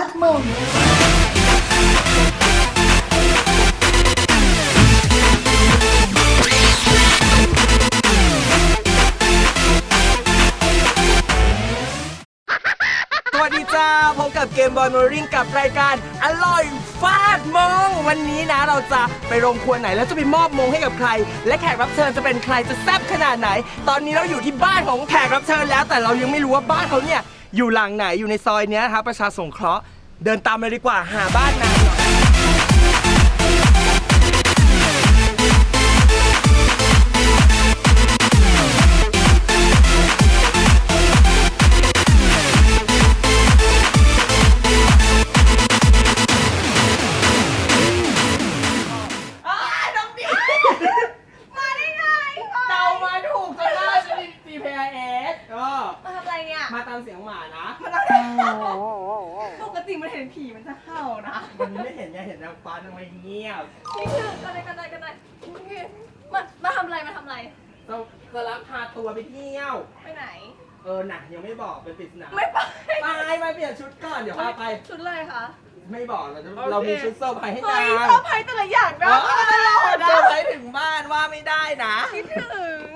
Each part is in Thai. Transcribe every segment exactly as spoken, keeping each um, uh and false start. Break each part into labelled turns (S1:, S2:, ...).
S1: ดมง
S2: สวัสดีจ้าพบกับเกมบอยโมริงกับรายการอร่อยฟาดมงวันนี้นะเราจะไปโรงครัวไหนแล้วจะไปมอบมงให้กับใครและแขกรับเชิญจะเป็นใครจะแซ่บขนาดไหนตอนนี้เราอยู่ที่บ้านของแขกรับเชิญแล้วแต่เรายังไม่รู้ว่าบ้านเขาเนี่ยอยู่หลังไหนอยู่ในซอยเนี้ยนะครับประชาสงเคราะห์เดินตามเลยดีกว่าหาบ้านนางหน่อยมาตามเสียงหมานะ
S1: ปกติมันเห็นผีมันจะเห่านะ
S2: วันนี้ไม่เห็นไงเห็นนางฟ้าทำไมเงียบ
S1: นี่คือกันไหนกันไหนกันไหนมามาทำอะไรมาทำอะไร
S2: เราจะรับพาตัวไปเที่ยว
S1: ไปไหน
S2: เออหนักยังไม่บอกเป็นปริศนา
S1: ไม่ไป
S2: ไปไปเปลี่ยนชุดก่อนเดี๋ยวพาไป
S1: ชุดอะไรคะ
S2: ไม่บอกเราจะเรามีชุดเซอร์ไพรส์ให้นาง
S1: เซอร์ไพรส์แต่ละอย่างนะตลอดนะ
S2: เซอร์ไพรส์ถึงบ้านว่าไม่ได้นะ
S1: คิดถึง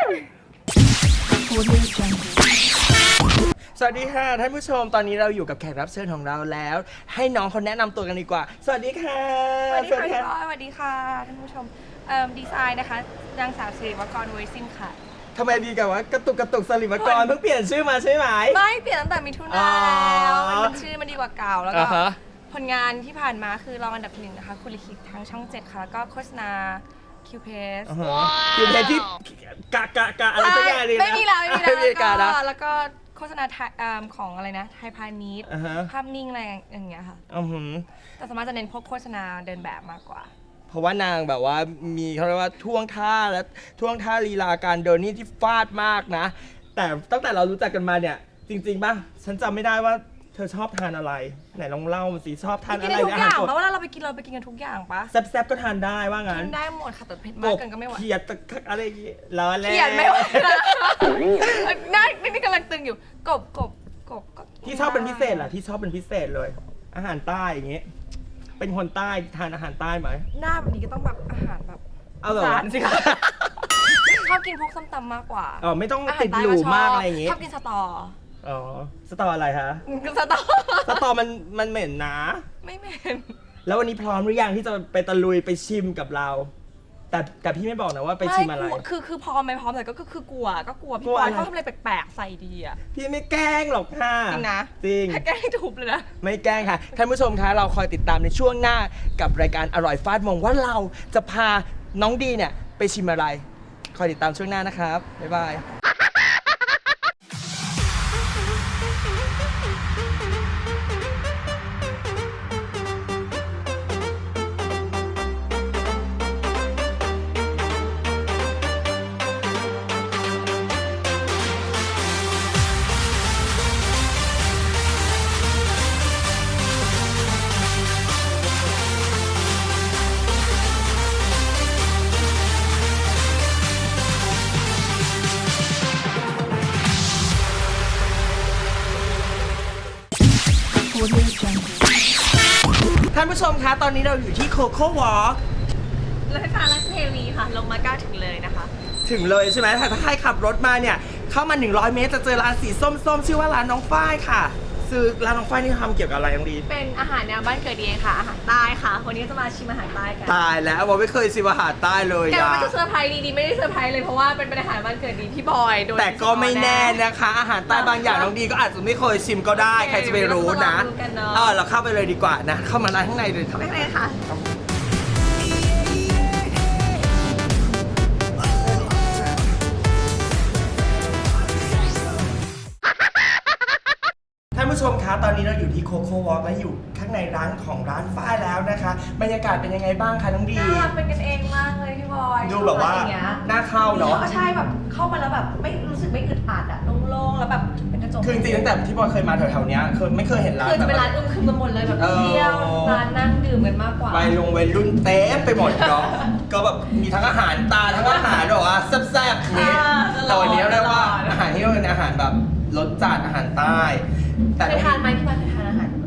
S2: สวัสดีค่ะท่านผู้ชมตอนนี้เราอยู่กับแขกรับเชิญของเราแล้วให้น้องเขาแนะนำตัวกันดีกว่าสวัสดีค่ะ
S3: สวัสดีค่ะพี่บอยสวัสดีค่ะท่านผู้ชมเอ่อดีไซน์นะคะนางสาวสิริวักรเวซินค่ะ
S2: ทำไมดีกับว่ากระตุกกระตุกสลิมกรเพิ่งเปลี่ยนชื่อมาใช่ไหม
S3: ไม่เปลี่ยนตั้งแต่มิถุนาแล้วมันชื่อมันดีกว่าเก่าแล้วก็ผลงานที่ผ่านมาคือรองอันดับหนึ่งนะคะคุณลิขิตทางช่องเจ็ดค่ะแล้วก็โฆษณาคิวเพส
S2: คิวเพสที่กะกะกะอะไรสักอย่างเลยนะ
S3: ไม่มีแล้วไม่มีแล้วแล้วก็โฆษณาของอะไรนะไทยพาณิชย์ภาพนิ่งอะไรอย่างเงี้ยค่ะแต่สามารถจะเน้นพวกโฆษณาเดินแบบมากกว่า
S2: เพราะว่านางแบบว่ามีเขาเรียกว่าท่วงท่าและท่วงท่าลีลาการเดินนี่ที่ฟาดมากนะแต่ตั้งแต่เรารู้จักกันมาเนี่ยจริงๆป่ะฉันจำไม่ได้ว่าเธอชอบทานอะไรไหนลองเล่ามาสิชอบทานอะไร
S3: ทุกอย่างเพราะว่าเราไปกินเราไปกินกันทุกอย่างปะ
S2: แซ่บๆก็ทานได้ว่างั้น
S3: กินได้หมดค่ะแต่เผ็ดมากเกินก็ไม่ไหว
S2: เขียดตะอะไรล้อแล้ว
S3: เขียดไม่ไหวนะน่านี่กำลังตึงอยู่กบกบกบก็
S2: ที่ชอบเป็นพิเศษเหรอที่ชอบเป็นพิเศษเลยอาหารใต้อย่างเงี้ยเป็นคนใต้ทานอาหารใต้ไหม
S3: หน้าแบบนี้ก็ต้องแบบอาหารแบบ
S2: เอาเหรอ
S3: สิคะชอบกินพวกส้มตำมากกว่า
S2: อ๋อไม่ต้องติดหรูมากอะไรอย่างเงี้ย
S3: ชอบกินสตอ
S2: อ๋อสตออะไรคะ
S3: สตอ
S2: สตอมันมันเหม็นนะ
S3: ไม่เหม็น
S2: แล้ววันนี้พร้อมหรือยังที่จะไปตะลุยไปชิมกับเราแต่แต่พี่ไม่บอกนะว่าไปชิมอะไร
S3: คือคือพร้อมไหมพร้อมแต่ก็คือกลัวก็กลัวพี่บอยเขาทำอะไรแปลกๆใส่ดีอ่ะ
S2: พี่ไม่แกล้งหรอกค่ะ
S3: จริงนะ
S2: จริง
S3: แกล้งให้ถูกเลยนะ
S2: ไม่แกล้งค่ะท่านผู้ชมคะเราคอยติดตามในช่วงหน้ากับรายการอร่อยฟาดมงว่าเราจะพาน้องดีเนี่ยไปชิมอะไรคอยติดตามช่วงหน้านะครับบ๊ายบายท่านผู้ชมคะตอนนี้เราอยู่ที่โคโค่วอล์ก
S3: รถไฟฟ้าราชเทวีค่ะลงมาก้าถึงเลยนะคะ
S2: ถึงเลยใช่ไหมถ้าใครขับรถมาเนี่ยเข้ามาหนึ่งร้อยเมตรจะเจอร้านสีส้มๆชื่อว่าร้านน้องฝ้ายค่ะซื้อร้านน้องฝ้ายนี่ทำเกี่ยวกับอะไรน้องดี
S3: เป็นอาหารแนวบ้านเกิดดีค่ะอาหารใต้ค่ะวันนี้จะมาชิมอาหารใต้กัน
S2: ตายแล้วว่าไม่เคยชิมอาหารใต้เลย
S3: แต่ไม่จะเซอร์ไพรส์ดีๆไม่ได้เซอร์ไพรส์เลยเพราะว่าเป็นอาหารบ้านเกิดดีพี่บอยโดย
S2: แต่ก็ไม่แน่นะคะอาหารใต้บางอย่างน้องดีก็อาจจะไม่เคยชิมก็ได้ใครจะไปรู้นะเออเราเข้าไปเลยดีกว่านะเข้ามาร้านข้างในเลย
S3: เข้าไปเลยค่ะ
S2: ท่านผู้ชมคะตอนนี้เราอยู่ที่โคโค่วอล์กและอยู่ข้างในร้านของร้านฝ้ายแล้วนะคะบรรยากาศเป็นยังไงบ้างคะน้องดี
S3: น่าเป็นกันเองมากเลยพี่บอย
S2: ดูแบบว่าน่าเข้าเนาะ
S3: ใช่แบบเข้ามาแล้วแบบไม่รู้สึกไม่อึดอัดอะโล่งๆแล้วแบบเป็นกระจก
S2: คือจริงๆตั้งแต่ที่บอยเคยมาแถวๆนี้เคยไม่เคยเห็นร้าน
S3: คือจะเป็นร้านอึมครึมไปหมดเลยแบบเที่ยวร้านนั่งดื่มกันมากกว่า
S2: ไปลงวัยรุ่นเต็มไปหมดเนาะก็แบบมีทั้งอาหารตาทั้งอาหารแบบว่าแซ่บๆนี่แต่วันนี้เรียกว่าอาหารที่เป็นอาหารแบบรสจัดอาหารใต้
S3: แต่เคยทานไหมที่บ้านเคยทานอาหารอาหาร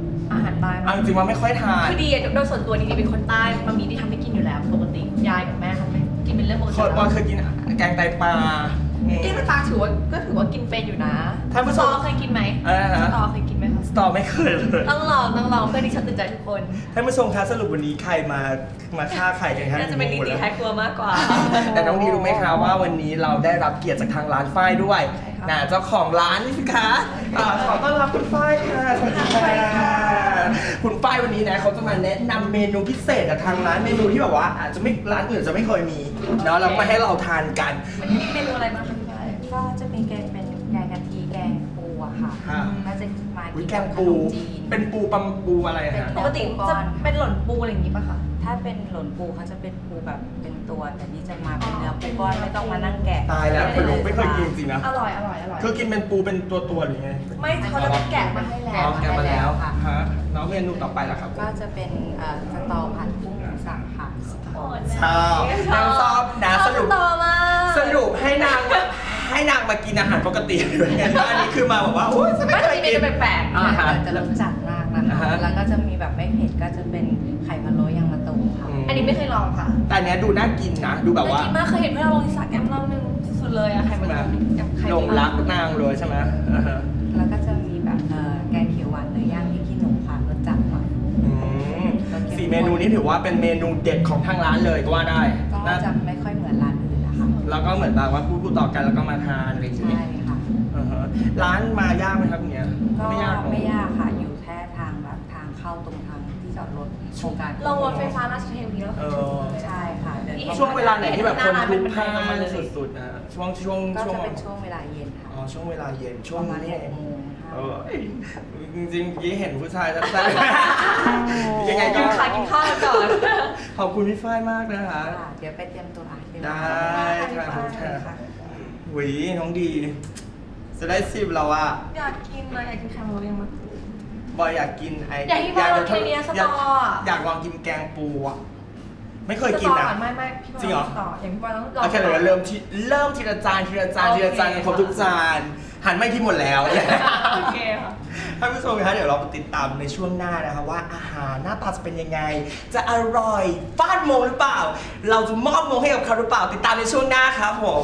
S1: ารใต้
S2: เอาจริงๆว่าไม่ค่อยทาน
S1: คือดีโดยส่วนตัวดีๆเป็นคนใต้มามีที่ทำให้กินอยู่แล้วปกติยายกับแม่ทำให้กินเป็นเรื่องปกติ
S2: คนบอลเคยกินแกงไตปลาอืม
S1: กินปลาถือว่าก็ถือว่ากินเป็นอยู่นะ
S2: ท่านผู้ชม
S1: สตอเคยกินไหม
S2: อะไรนะ
S1: สตอเคยกินไหมคะ
S2: สตอไม่เคยเลย
S1: ต้องลองต้องลองเพื่อที่ฉันตื่นใจทุกคน
S2: ท่านผู้ชมคะสรุปวันนี้ใครมามาฆ่าใครกันคะ
S1: น่าจะเป็นดีดีแท้ครัวมากกว่า
S2: แต่น้องดีรู้ไหมคะว่าวันนี้เราได้รับเกียรติจากทางร้านฝ้ายด้วย
S1: ใช่ค่ะ
S2: นะเจ้าของร้านนี่สิคะอ่าขอต้อนรับคุณฝ้ายค่ะสวัสดีค่ะคุณฝ้ายวันนี้นะเขาจะมาแนะนำเมนูพิเศษจากทางร้านเมนูที่แบบว่าอาจจะไม่ร้านอื่นจะไม่เคยมีเนาะเรามาให้เราทานกัน
S1: วันนี้มีเมนูอะไรบ้างคะพี่ไก่
S4: ก็จะมีแกงเป็นแกงกะทิแกงปูอะค่ะ
S2: ค่ะ
S4: ก็จะมา
S2: อุ๊
S4: กิ
S2: ย
S4: น
S2: แก
S4: กั
S2: ง
S4: บข
S2: ปู
S4: นมจีน
S2: เป็นปูปัมปูอะไรอะฮะ
S1: ปกติจะเป็นหล่นปูอะไรอย่างงี้ป่ะคะ
S4: ถ้าเป็นหล่นปูเขาจะเป็นปูแบบเป็นตัว แต่นี่จะมาเป็นเนื้อปูก้อนไม่ต้องมานั่งแกะ
S2: ตายแล้วคุณลุงไม่เคยกินจริงนะ
S1: อร่อยอร่อยอร่อย
S2: คือกินเป็นปูเป็นตัวตัวๆหรือไง
S1: ไม่เขาจะแกะมาให้แล้
S2: อ๋อ
S1: ว
S2: แกะมาแล้ว
S4: ค่ะ
S2: ฮะแล้วเมนูต่อไปล่ะครับ
S4: ก็จะเป็นเอ่อสตอผัดกุ้งหมูสับค่ะ
S2: ชอบนางชอบนะสรุป
S1: ต่อมา
S2: สรุปให้นางมาให้นางมากินอาหารปกติด้วยไงอันนี้คือมาบอกว่าโอ้ยฉัน
S1: ไม่
S2: ไม่เค
S1: เค
S2: ย
S1: ย
S2: กิ
S1: กิ
S2: น
S1: นจะแปลกๆ
S2: อ่าฮะ
S4: จะรสจัดมากนะ
S2: อ่า
S4: คะ
S2: ฮะ
S4: แล้วก็จะมีแบบไม่เผ็ดก็จะเป็นไข่พะโล้ยางมะตูมค่ะ
S2: อืม
S1: อันนี้ไม่เคยลองค่ะ
S2: แต่อันเนี้ยดูน่ากินนะ ดูแบบว่า
S1: น่กินมากเคยเห็นเพื่อนเราลงอินสตาแกรมรอบนึงสุดๆเลยอะไข่มันกับไข่
S2: หลงรักนางเลยใช่ไหมอ่าฮะ
S4: แล้วก็จะมีแบบเอ่อแกงเขียวหวานเนื้อย่างพริกขี้หนูค่ะรสจัดหน่อย
S2: อืมสี่เมนูนี้ถือว่าเป็นเมนูเด็ดของทางร้านเลยก็ว่าได้
S4: ก็
S2: น่า
S4: จะไม่ค่อยเหมือนร้านอื่นนะคะ
S2: แล้วก็เหมือนแบบว่าพูดพูดต่อกันแล้วก็มาทานอะไรอย่าง
S4: ใช่
S2: เงี้ย
S4: ค่ะ
S2: อ่าฮะร้านมายากไหมครับเนี้ย
S4: ก็
S2: ไม่ยากหรอ
S4: ไม่ยากค่ะ อยู่แค่ทางแบบทางเข้าตรงทางที่จอดรถโครงการ
S1: ลงรถไฟฟ้าราชเทวีแล้ว
S2: เออ
S4: ใช่ค่ะเดินเข้า
S2: ช่วงเวลาไหนที่แบบคนพลุกพล่า
S1: หน้าร้าน
S2: น
S1: เป็นบันไดลงมาเลย
S2: สุดๆนะช่วงช่วง
S4: ก็
S2: ช่วง
S4: จะเป็นช่วงเวลาเย็นค่ะ
S2: อ๋อช่วงเวลาเย็นช่ว
S4: ป
S2: ง
S4: ระมาณ
S2: นี้
S4: ห
S2: เอก ง
S4: โมงค่ะ
S2: เออจริงๆเมื่อกี้เห็นผู้ชายแซ่บๆยังไง
S1: กิ
S2: ก็
S1: นข้าวกินข้าวกันก่อน
S2: ขอบคุณพี่ฝ้ายมากนะคะ
S4: ค่ะ เดี๋ยวไปเตรียมตัวอ่ะเดี๋ยว
S2: ได้ค่ะ
S4: ขอบ
S2: คุ
S4: คุณ ณ
S2: ค่ะ
S4: ค่ะ
S2: หวีน้องดี จะได้สิบแล้วอะ
S1: อยากกินนะอยากกินไข่มันยังมา
S2: บอยอยากกินไอ้
S1: อยากกินบอยลองกินไอ้เนี่ยสตออะ
S2: อยากลองกินแกงปูอะไม่เคยกิน
S1: ต่
S2: นะ
S1: อไม่ไม่พี่บอล
S2: จริงเหรอ
S1: ต่ออย่างพี่บอลต้องลอง
S2: โอเคเดี๋ยวเริ่มที่เริ่มทีละจานทีละจาน
S1: โอเค
S2: ทีละจานกันครบทุกจานหันไม่ที่หมดแล้ว
S1: โอเคค่ะ
S2: ท่านผู้ชมคะเดี๋ยวเราไปติดตามในช่วงหน้านะคะว่าอาหารหน้าตาจะเป็นยังไง จะอร่อยฟาดมงหรือเปล่า เราจะมอบมงให้กับเขาหรือเปล่าติดตามในช่วงหน้าครับผม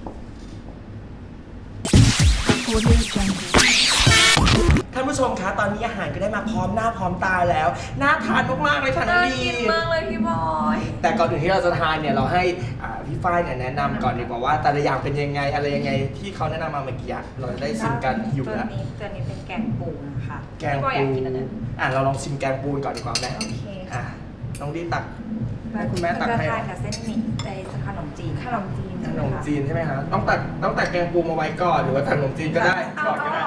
S2: ท่านผู้ชมคะตอนนี้อาหารก็ได้มาพร้อมหน้าพร้อมตาแล้วน่าทานมากๆเลยค่ะน้อ
S1: น่าง
S2: ดี
S1: กินมากเลยพี่บอย
S2: แต่ก่อนอื่นที่เราจะทานเนี่ยเราให้อ่าพี่ฝ้ายเนี่ยแนะนำก่อนดีกว่าว่าแต่ละอย่างเป็นยังไงอะไรยังไงที่เขาแนะนำมาเมื่อกี้อะเราจะได้ชิมกันอยู่
S4: ตัว
S2: แล้ว
S4: นี้ตัวนี้เป็นแกงปูนะคะ
S2: แกง
S1: พี่บอยอยา
S2: ปู
S1: กกินอันนั้น
S2: อ่ะเราลองชิมแกงปูก่อนดีกว่าไหม
S1: โอเค
S2: อ่ะน้องดีตักให้คุณแม่ตัก
S4: ก็
S2: ให้
S4: ทานกับเส้นหมี่ในขนมจีน
S1: ขนมจีน
S2: ขนมจีนใช่ไหมคะต้องตักต้องตักแกงปูมาไว้ก่อนหรือว่าตักขนมจีนก็ได้ก่อนก็ได้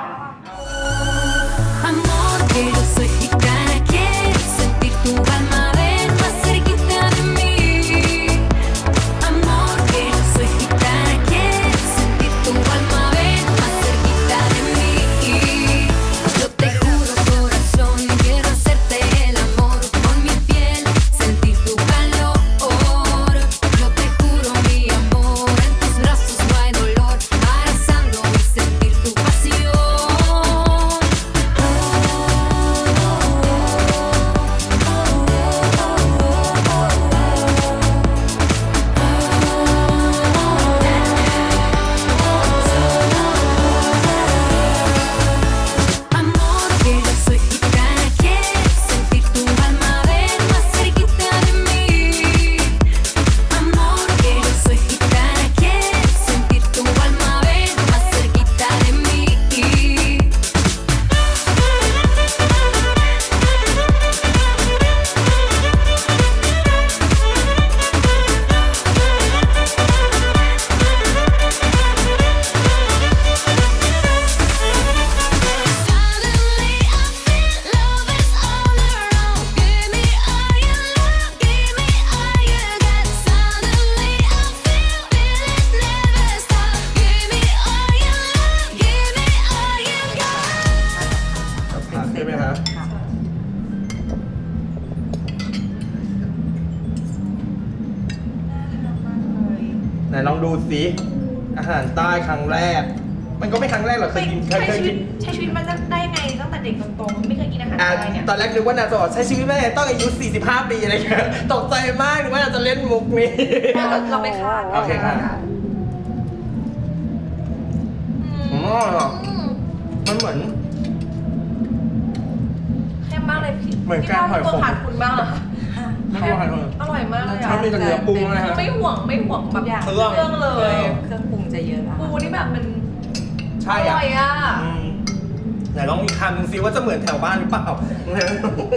S5: Amor, que yo soy gitana, quiero sentir tu alma, ven más cerquita de mí. Amor, que yo soy gitana, quiero sentir tu alma, ven más cerquita de mí. Yo te juro, corazón, quiero hacerte el amor con mi piel, sentir tu calor. Yo te juro, mi amor, en tus brazos no hay dolor, abrazando y sentir tu pasión. Amor, que yo soy gitana, quiero sentir tu alma, ven más cerquita de mí. Amor, que yo soy gitana, quiero sentir tu alma, ven más cerquita de mí. Suddenly I feel love is all around. Give me all your love, give me all you got. Suddenly I feel feel it never stop. Give me all your love, give me all you got.
S2: กับผักใช่ไหมคะ
S4: ค่ะ
S2: ไหนลองดูสิอาหารใต้ครั้งแรกมันก็ไม่ครั้งแรกหรอกเคยกินเคย
S1: ใช้
S2: เคย
S1: ชีวิ
S2: กิ
S1: ต
S2: น
S1: ใช้ชีวิตมาได้ไงตั้งแต่เด็กจนโตไม่เคยกินอาหาร
S2: อ่ะ
S1: อะไรเนี่ย
S2: ตอนแรกนึกว่านางจะบอกใช้ชีวิตไม่ได้ต้องอายุสี่สิบห้าปีอะไรเงี้ยตกใจมากนึกว่านางจะเล่นมุกนี้
S3: เราเราไม่คาด
S2: โอเคค่ะ อืมอร่อยอ่ะมันเหมือน
S1: เข้มมากเลยพี่
S2: เหมือน
S1: พี่
S2: แกงหอยขม
S1: ตัวขาดคุณบ้างเหรอ
S2: ไม่รู้อะไรเลย
S1: อร่อยมากเลย
S2: ชอ
S1: อ่ะ
S2: บมีแต่เนื้อปูนะฮะ
S1: ไม่ห่วงไม่ห่วงแบบ
S4: ทุกอย่าง
S2: เครื่อง
S1: เครื่องเลย
S4: เครื่องปรุงจะเยอะอะ
S1: ปูนี่แบบมัน
S2: ใช่
S1: อ
S2: อ่ะ
S1: ร่อยอ่ะ
S2: อืมไหนลองอีกคำหนึงซิว่าจะเหมือนแถวบ้านหรือเปล่า
S4: แล้วก็จะเป็น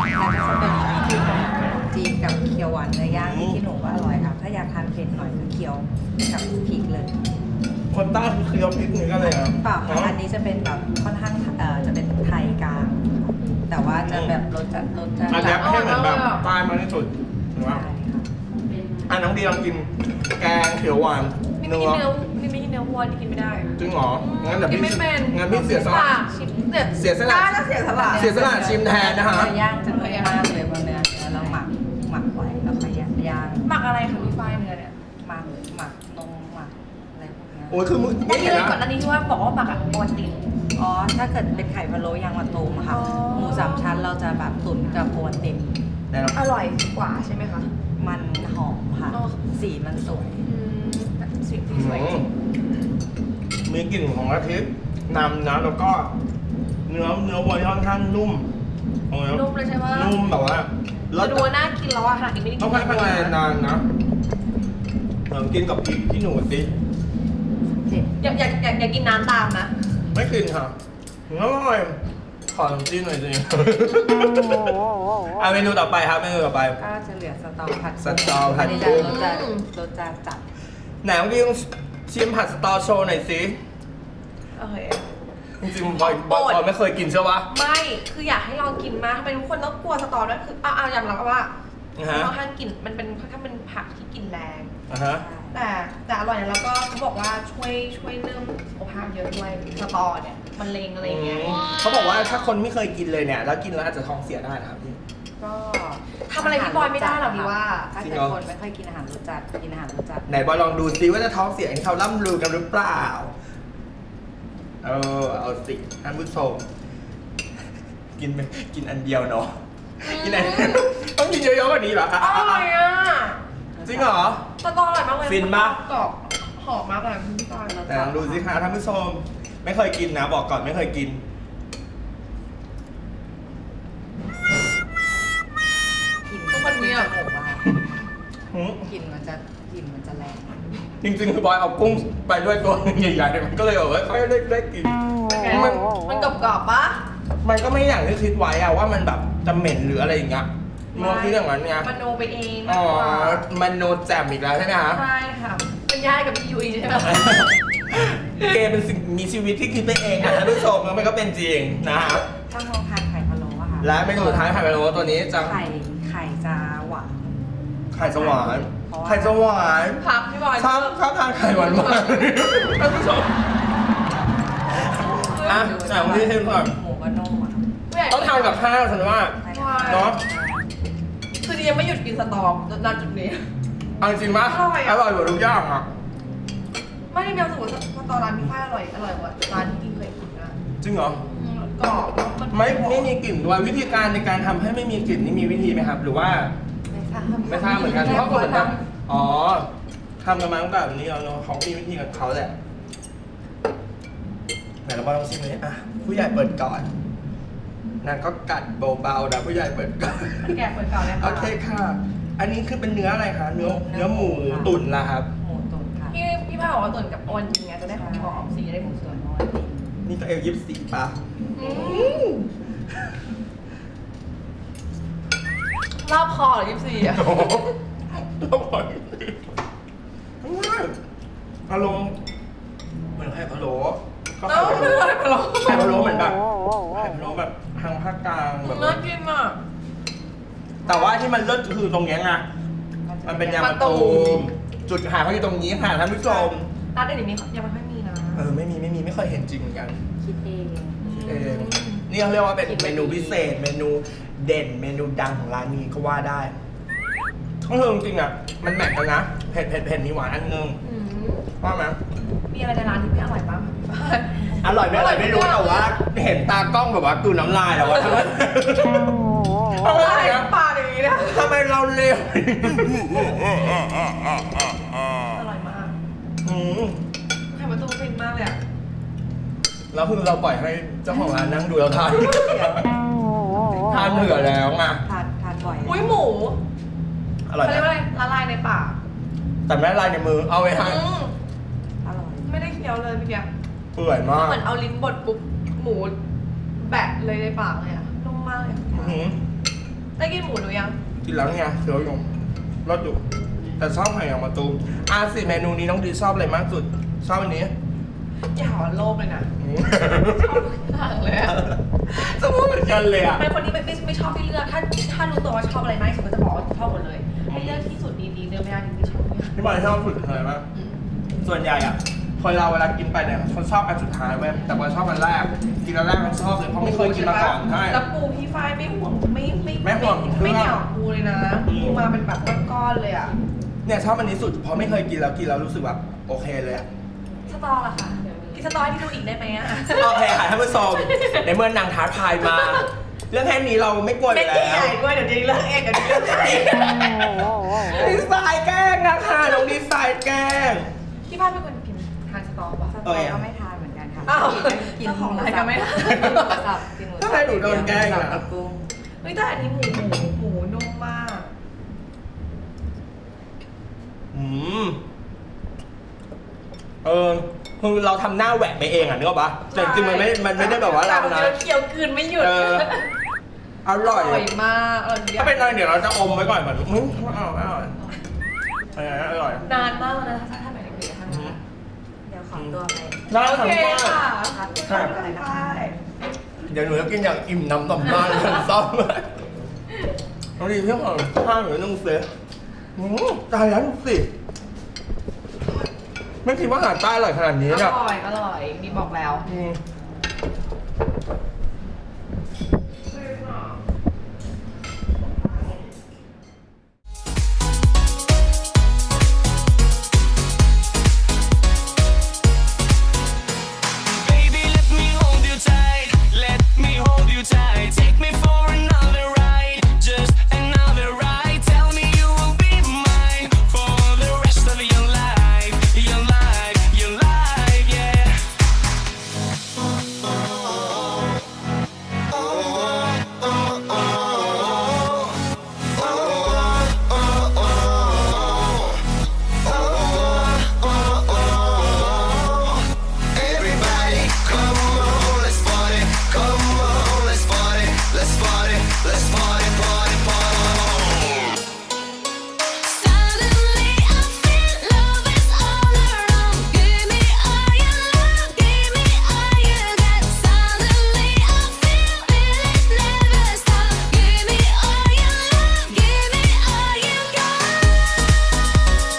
S4: จีนกับเคียวหวานเนื้อย่างที่ขี้หนูก็อร่อยค่ะ ถ้าอยากทานเผ็ดหน่อยก็เคียวกับพริกเลย
S2: คนใต้คือเคี้ยวพริกนี่ก็เลยอ่ะ
S4: เปล่าค่ะอันนี้จะเป็นแบบค่อนข้างเอ่อจะเป็นไทยกลางค่ะแต่ว่าจะแบบรสจัดรสจัด
S2: อันเนี้ย
S1: อร่อย
S2: ให้เหมือนแบบ
S1: มากเลยอะ
S2: ใต้มากที่สุดถูกไหม
S4: ใช่ค่ะ
S2: อ่ะน้องดีลองกินแกงเขียวหวาน
S1: นี่ไม่กินเนื้อนี่ไม่กินเนื้อวัวนี่กินไม่ได้
S2: จริงเหรองั้นเดี๋ยว
S1: กิน
S2: พี่
S1: ไม่เป็น
S2: งั้นพี่เสียสละ
S1: ปากชิมเนี่ย
S2: เสียสละ
S1: ได้แล้วเสียสละ
S2: เสียสละชิมแทนนะฮะ
S4: เนื้อย่างจะนุ่มมากเลยเพราะเนื้อเนื้อเราหมักหมักไว้แล้วค่อยย่างย่าง
S1: หมักอะไรคะพี่ฝ้ายเนื้อเนี่ย
S4: หมักหมักนมหมักอะไรพวกเนี้ย
S2: โอ้ยคือมึง
S1: ไม่
S2: นี่
S1: เลย
S2: นะ
S1: ก่อนอันนี้ที่ว่าบอกว่าหมักอะโอนติด
S4: อ๋อถ้าเกิดเป็นไข่พะโล้ยางมะตูมอะค่ะ
S1: อ๋อ
S4: หมูสามชั้นเราจะแบบตุ๋นกับโอนติน
S2: แน่นอน
S1: อร่อยกว่าใช่ไหมคะ
S4: มันหอมค่ะ
S1: อ๋อ
S4: สีมันสวย
S1: อืมสิ่งที่สวยจริง
S2: มีกลิ่นของกะทินำนะแล้วก็เนื้อเนื้อวัวที่ค่อนข้างนุ่มโอ้ย
S1: นุ่มเลยใช่ปะ
S2: นุ่มแบบว่า
S1: จะดูว่าน่ากินแล้วอะขนาดนี้ไม่ได้กิ
S2: ต้องให้พนักงานนานนะเออกินกับพริกที่หนูสิ
S1: อยากอยากอยากอยากกินน้ำตามนะ
S2: ไม่กินค่ะอร่อยขอน้ำจิ้มหน่อยสิอ่ะเมนูต่อไปครับเมนูต่อไป
S4: ก็จะเหลือสตอผัด
S2: สตอผัด
S4: อันนี้
S2: กุ้
S4: จะ
S2: ง
S4: รสจะรสจะจัด
S2: ไหนลองดิชิมผัดสตอโชว์หน่อยสิ
S1: โอเค
S2: จริงๆบอยบอยบอยไม่เคยกินใช่ปะ
S1: ไม่คืออยากให้ลองกินมากทำไมทุกคนต้องกลัวสตอด้วยคือเอาเอายอมรับว่า
S2: อ่าฮะ
S1: ค่อนข้างกลิ่นมันเป็นค่อนข้างเป็นผักที่กลิ่นแรง
S2: อ่ะฮะ
S1: แต่แต่อร่อยนะแล้วก็เขาบอกว่าช่วยช่วยเรื่องสุขภาพเยอะด้วยสตอเนี่ยมันเลงอะไรอย่างเงี้ย
S2: เขาบอกว่าถ้าคนไม่เคยกินเลยเนี่ย แล้วกินแล้วอาจจะท้องเสียได้นะครับพี่
S4: ก็
S1: ทำอะไรพี่บอยไม่ได้หรอกดีว่า
S4: ถ้า
S2: จริง
S4: เกิ
S2: เหร
S4: ด
S2: อ
S4: คนไม่ค่อยกินอาหารรสจัดกินอาหารรสจัด
S2: ไหนบอยลองดูซิว่าจะท้องเสียอย่างที่เขาล่ำลือกันหรือเปล่า เออเอาสิท่านผู้ชมกินไปกินอันเดียวเนาะกินอันต้องกินเยอะๆกว่านี้เหรออ่ะ
S1: อ
S2: อ่ะ
S1: ร่
S2: อ่ะ
S1: อยอ่ะ
S2: จริงเหรอ
S1: สตออร่อยมากเลย
S2: ฟินปะ
S1: กรอบหอมมากเลยพี่บอย
S2: แต่ลองดูสิคะท่านผู้ชมไม่เคยกินนะ บอกก่อนไม่เคยกิน
S4: กลิ่น
S1: ทุกคนมีอ่ะ
S4: จมูกอะค่ะ
S2: หืม
S4: กลิ่นมันจะกลิ่นมันจะแรง
S2: จริงๆคือบอยเอากุ้งไปด้วยตัวหนึงใหญ่ๆมันก็เลยแบบว่าค่อยได้ได้กิน มัน
S1: มันกรอบกรอบๆปะ
S2: มันก็ไม่อย่างที่คิดไว้อะว่ามันแบบจะเหม็นหรืออะไรอย่างเงี้ยมองคิดอย่างนั้นไง
S1: มโนไปเองมา
S2: อ๋
S1: ก
S2: อก
S1: ว่า
S2: มันโนแจ่มอีกแล้วใช่ไหมคะ
S1: ใช่ค่ะเป็นญาติกับพี่ยุ้ยใช่ไหม
S2: เกมเป็นสิ่งมีชีวิตที่คิดไปเองค่ะท่านผู้ชมแล้วมันก็เป็นจริงนะครับ
S4: ต้องลองทานไข่พะโล้อะค่ะ
S2: และเมนูสุดท้ายไข่พะโล้ตัวนี้จะ
S4: ไข่ไข่จะหวาน
S2: ไข่สวาน
S4: เพราะว่า
S2: ไข่สวาน
S1: พักพี่บอย
S2: ชอบชอบทานไข่หวานมากท่านผู้ชมอ่ะไหนลองที่ให้ดูก่อน
S4: หมูก็นุ่มอะ
S2: ต้องทานกับข้าวฉันว่า
S4: ใช่ค่ะ
S2: เนาะ
S1: คือดียังไม่หยุดกินสตอจนจุดนี้
S2: เอาจริงๆปะ
S1: อร่อยอะ
S2: อร่อยกว่าทุกอย่างอ่ะ
S1: ไม่ได้เมียรู้สึกว่าสตอร้านพี่ฝ้ายอร่อยอร่อยกว่าร้านที่กินเคยกินนะ
S2: จริงเหรอ
S1: อืมกรอบแล้วน
S2: ไม่ไม่มีกลิ่นด้วยวิธีการในการทำให้ไม่มีกลิ่นนี่มีวิธีไหมครับ หรือว่า
S4: ไม่ทราบ
S2: ไม่ทราบเหมือนกันเพราะคนเหมือนกันอ๋อทำกันมาตั้งแต่แบบนี้แล้วเนาะเขามีวิธีของเขาแหละไหนเราลองชิมเลยอ่ะผู้ใหญ่เปิดก่อนนางก็กัดเบาๆนะผู้ใหญ่เปิดก่อน
S1: แกะเปิดเก่าเลย
S2: โอ
S1: ค่ะ
S2: เคค่ะ อันนี้คือเป็นเนื้ออะไรคะเนื้อเนื้อหมูตุ๋นละครับ
S4: หมูตุ๋นค่ะ
S1: พี่พี่ฝ้ายบอกว่าตุ๋นกับโอนจริงไงจะได้หอมๆสีจะได้หมูสวย
S4: น้อยติ่
S2: นี่ก็เอลยิบสีป่ะ
S1: อืมรอบคอเหรอยี่สิบสี่อ่ะ
S2: โอ้โหอร่อยอารมณ์เหมือนไข่พะโล้ก็
S1: น้องเนื้ออะไรมาหรอ
S2: ไข่พะโล้เหมือนแบบไข่พะโล้แบบทางภาคกลางแบบ
S1: น่ากินอ่ะ
S2: แต่ว่าที่มันเลิศคือตรงเนี้ยไงมันเป็นยางมะตูมจุดขายเขาอยู่ตรงนี้ค่ะท่านผู้ชม
S1: ร้านอื่นๆมียังไม่ค่อยมีนะ
S2: เออไม่มีไม่มีไม่เคยเห็นจริงเหมือนกัน
S4: คิดเอง
S2: เออนี่เขาเรียกว่าเป็นเมนูพิเศษ เมนูเด่นเมนูดังของร้านนี้ก็ว่าได้ก็คือจริงๆอ่ะมันแมทกันนะเผ็ดเผ็ดเผ็ดมีหวานอันนึง
S1: อืม
S2: ว่าไหม
S1: มีอะไรในร้านที่ไม่อร่อยบ้างคะพี่
S2: อร่อยไม่อร่อยไม่รู้แต่ว่าเห็นตากล้องแบบว่ากลืนน้ำลายแล้วว่าทำไมทำไม
S1: ปากอย่างนี้นะ
S2: ทำไมเราเร็ว
S1: อร่อยมาก
S2: อืม
S1: ไข่มะตูมฟินมากเลยอ่ะ
S2: แล้วคือเราปล่อยให้เจ้าของร้านนั่งดูเราทานทานเหนื่อยแล้วไง
S4: ทานทานบ่อย
S1: อุ้ยหมู
S2: อร่อย
S1: เขาเรียกว่า
S2: นะ
S1: อะไรละลายในปาก
S2: แต่ไม่ละลายในมือเอาไว้ให้
S1: อืม
S4: อร่อย
S1: ไม่ได้เคี้ยวเลยเมื่อกี้
S2: เปื่อยมาก
S1: เหมือนเอาลิ้นบดปุ๊บหมูแบะเลยในปากเลยอ่ะนุ่มมากเลย
S2: อื้อหือ
S1: ได้กินหมูหรือยัง
S2: กินแล้วไงเคี้ยวอยู่รสอยู่แต่ชอบไข่ยางมะตูมอาสิเมนูนี้น้องดีชอบอะไรมากสุดชอบอันนี้
S1: อย่าหาว่าโลภเลยนะ
S2: อืม
S1: ชอบทุกอย่างเลยอะ
S2: สมมติเหมือนกันเลยอ่ะ
S1: เป็นคนที่ไม่ไม่ไม่ชอบให้เลือก ถ้าถ้ารู้ตัวว่าชอบอะไรมากที่สุดก็จะบอกว่าชอบหมดเลย ให้เลือกที่สุดดีๆเลือกไม่ได้ที่ไม่ชอบไม่ได้
S2: พี่บอยชอบสุดอะไรบ้าง
S1: อืม
S2: ส่วนใหญ่อ่ะคนเราเวลากินไปเนี่ยเขาชอบอันสุดท้ายเว้ยแต่บอยชอบอันแรกกินอันแรกมันชอบเลยเพราะไม่เคยกินมาก่อนใช่
S1: แล้วปูพี่ฝ้ายไม่ห่วงไม่ไม่
S2: ไม่ห่วง
S1: ไม่เหนียวปูเลยนะ
S2: อืม
S1: ปูมาเป็นแบบก้อนๆเลยอ่ะ
S2: เนี่ยชอบอันนี้สุดเพราะไม่เคยกินแล้วกินแล้วรู้สึกแบบโอเคเลยอ่ะ
S1: สตอล่ะค่ะกินสตอให้พี่ดูอีกได้ไหมอ่ะ
S2: โอเคค่ะท่านผู้ชมในเมื่อนางท้าทายมา เรื่องแค่นี้เราไม่กลัวอ
S1: เป็น
S2: ยู่
S1: ที่
S2: แล้
S1: ให
S2: ว
S1: ญ่ด้วยเดี๋ยวดีเลิกเองเดี๋ยวดีเลิกเอง
S2: ดีไซน์แกล้งนะคะน้องดีไซน์แกล้ง
S1: พี่ฝ้ายเป็นคนกินทานสตอป่ะ
S4: ส
S2: โอ
S4: ตอ
S2: เค
S4: ก็ไม่ทานเหมือนกันค่ะ
S1: อ้าว
S4: กิน
S1: เจ้าของร้านก็ไม่ทาน
S4: กินหมูสับกินหมูสับ
S2: ทำไมหนูโดนแกล้งอะ
S4: กับกุ้ง
S1: เฮ้ยแต่อันนี้หมูหมูหมูนุ่มมาก
S2: อืมเออคือเราทำหน้าแหวะไปเองอ่ะนึกออกปะแต่จริงๆมันไม่มันไม่ได้แบบว่าเรานะ
S1: เคี้ยวกลืนไม่หยุด
S2: เอออร่อย
S1: อร่อยมากอร่อยทุกอย่า
S2: ถ้าง เป็นอะไรเดี๋ยวเราจะอมไว้ก่อนเหมือนมึงไม่เอาไม่เอาอร่อยอร่อย
S1: นานมากแล้วนะถ้าถ้าไหนเด็กๆทำ
S2: อืม
S4: เดี๋ยวขอตัวไป
S2: ได้
S1: โอ
S2: ค่ะ
S1: เค
S2: พี่ฝ้าย
S1: ค่ะ
S4: ครับ
S2: ครับ
S4: อะไรนะคะ
S2: เดี๋ยวหนูจะกินอย่างอิ่มน้ำต่ำมากเลยซ้อมเลยเอาดีเพื่อนของข้าวหนูต้องเสียอืมตายแล้วดูสิไม่คิดว่าอาหารใต้อร่อยขนาดนี้
S1: อ
S2: เนี่ย
S1: ร่อยอร่อยมีบอกแล้ว
S2: อืม
S6: Baby, let me hold you tight. Let me hold you tight. Take me for another ride. Just another ride. Tell me you will be mine for the rest of your life. Your life, your life, yeah. Everybody, come on, let's party. Come on, let's party. Let's party. Let's party, party, party.
S5: Suddenly I feel love is all around. Give me all your love, give me all you got. Suddenly I feel it never stop. Give me all your love, give me all you got.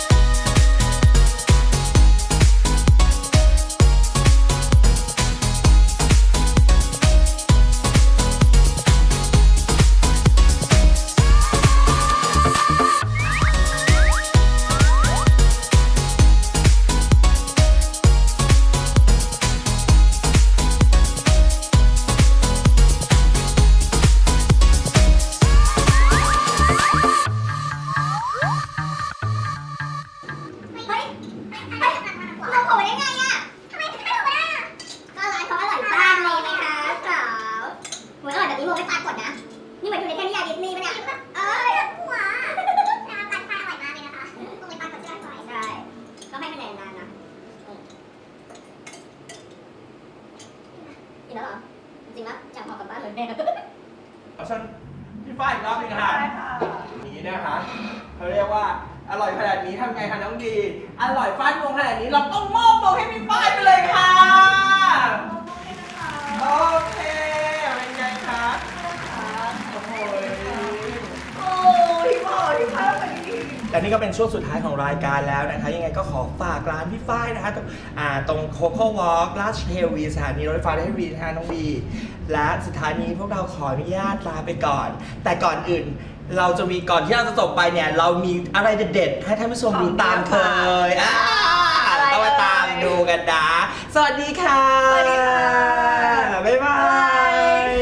S7: เฮ้ยเฮ้ยเราโผล่ได้ไงอ่ะทำไมถึงไม่โผล่ได้อะก็ร้านเขาอร่อยมากเลยไหมคะสาวเหมือนอร่อยแบบนี้โมไม่ปรากฏนะ นี่เหมือนอยู่ในเทพนิยายดิสนีย์ปะเนี่ยเอ้ยหัวน้ำปันไฟอร่อยมากเลยนะคะโมไม่ปรากฏที่ร้านบ่อยใช่ก็ให้คะแนนนานนะอืมกินแล้วเหรอ จริงๆแล้วอยากพอกลับบ้านเลยแม่
S2: เอาฉันพี่ฝ้ายอีกรอบหนึงค่ะนี้นะคะเขาเรียกว่าอร่อยขนาดนี้ทำไงคะน้องดี อร่อยฟาดงวงขนาดนี้เราต้องมอบมงให้พี่ฝ้ายไปเลยค่ะโอเคเป็นไงคะโอ้โห
S1: โอ้ยบอกที่ภาพแบบนี้
S2: และนี่ก็เป็นช่วงสุดท้ายของรายการแล้วนะคะ ยังไงก็ขอฝากร้านพี่ฝ้ายนะคะตรงอ่าตรงโคโค่วอล์กราชเทวีสถานีรถไฟฟ้าได้วีทางน้องบีและสุดท้ายนี้พวกเราขออนุญาตลาไปก่อน แต่ก่อนอื่นเราจะมีก่อนที่เราจะจบไปเนี่ย เรามีอะไรเด็ดๆให้ท่านผู้ชมดูตามเคยอ่าต้องมาตามดูกันนะสวัสดีค่ะ
S3: สวัสดีค่ะ
S2: บ๊ายบาย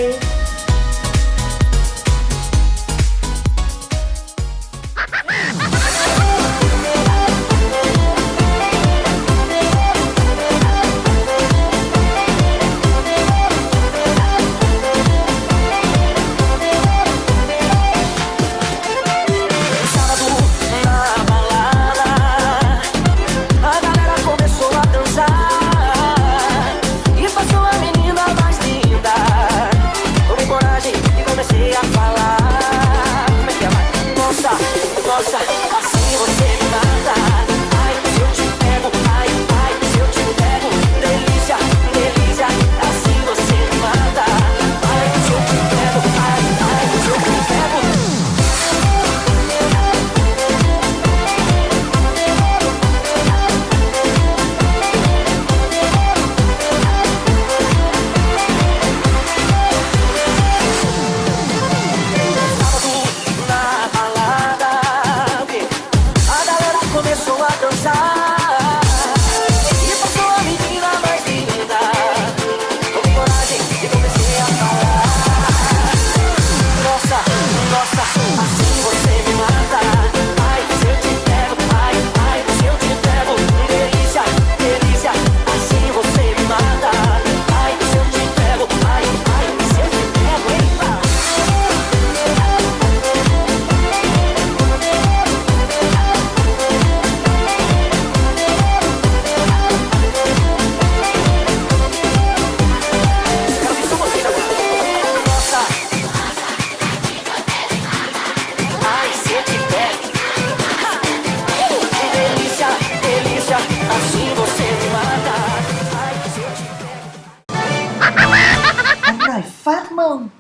S2: อร่อยฟาดมง